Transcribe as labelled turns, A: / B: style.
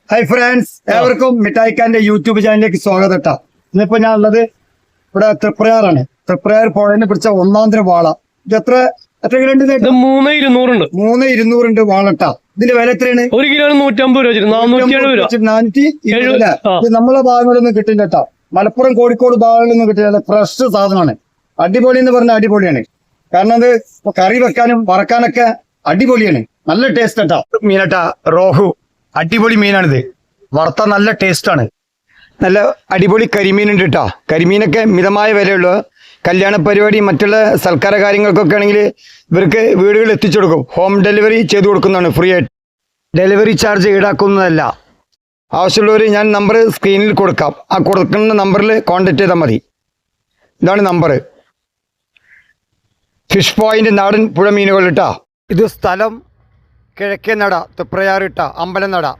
A: Hi friends, ഏവർക്കും മിഠായിക്കാന്റെ YouTube ചാനലിലേക്ക് സ്വാഗതം കേട്ടോ. ഇന്നിപ്പോ ഞാൻ ഉള്ളത് ഇവിടെ തൃപ്രയാറാണ്. തൃപ്രയാർ പുഴനെ പിടിച്ച ഒന്നാന്തര വാള. ഇത് എത്ര കിലോ ഉണ്ട്?
B: 3,200
A: വാളട്ടാ. ഇതിന്റെ വില എത്രയാണ്?
B: 1 കിലോ 150 രൂപ, 470
A: ഇത് നമ്മളെ ഭാഗങ്ങളിലൊന്നും കിട്ടില്ല കേട്ടോ. മലപ്പുറം കോഴിക്കോട് ഭാഗങ്ങളിലൊന്നും കിട്ടില്ല. ഫ്രഷ് സാധനമാണ്. അടിപൊളി എന്ന് പറഞ്ഞാൽ അടിപൊളിയാണ്. കാരണം അത് കറി വെക്കാനും വറക്കാനൊക്കെ അടിപൊളിയാണ്. നല്ല ടേസ്റ്റ് കേട്ടോ. മീനട്ടാ, റോഹു അടിപൊളി മീനാണിത്. വറുത്ത നല്ല ടേസ്റ്റ് ആണ്. നല്ല അടിപൊളി കരിമീൻ ഉണ്ട് കേട്ടോ. കരിമീനൊക്കെ മിതമായ വിലയുള്ളൂ. കല്യാണ പരിപാടി മറ്റുള്ള സൽക്കാര കാര്യങ്ങൾക്കൊക്കെ ആണെങ്കിൽ ഇവർക്ക് വീടുകളിൽ എത്തിച്ചു കൊടുക്കും. ഹോം ഡെലിവറി ചെയ്ത് കൊടുക്കുന്നതാണ്, ഫ്രീ ആയിട്ട്. ഡെലിവറി ചാർജ് ഈടാക്കുന്നതല്ല. ആവശ്യമുള്ളവർ ഞാൻ നമ്പർ സ്ക്രീനിൽ കൊടുക്കാം. ആ കൊടുക്കുന്ന നമ്പറിൽ കോൺടാക്ട് ചെയ്താൽ മതി. ഇതാണ് നമ്പർ. ഫിഷ് പോയിന്റ് നാടൻ പുഴ മീനുകൾ ഇട്ടാ. ഇത് സ്ഥലം കിഴക്കേ നട, തൃപ്രയാർ ഇട്ട അമ്പലം നട.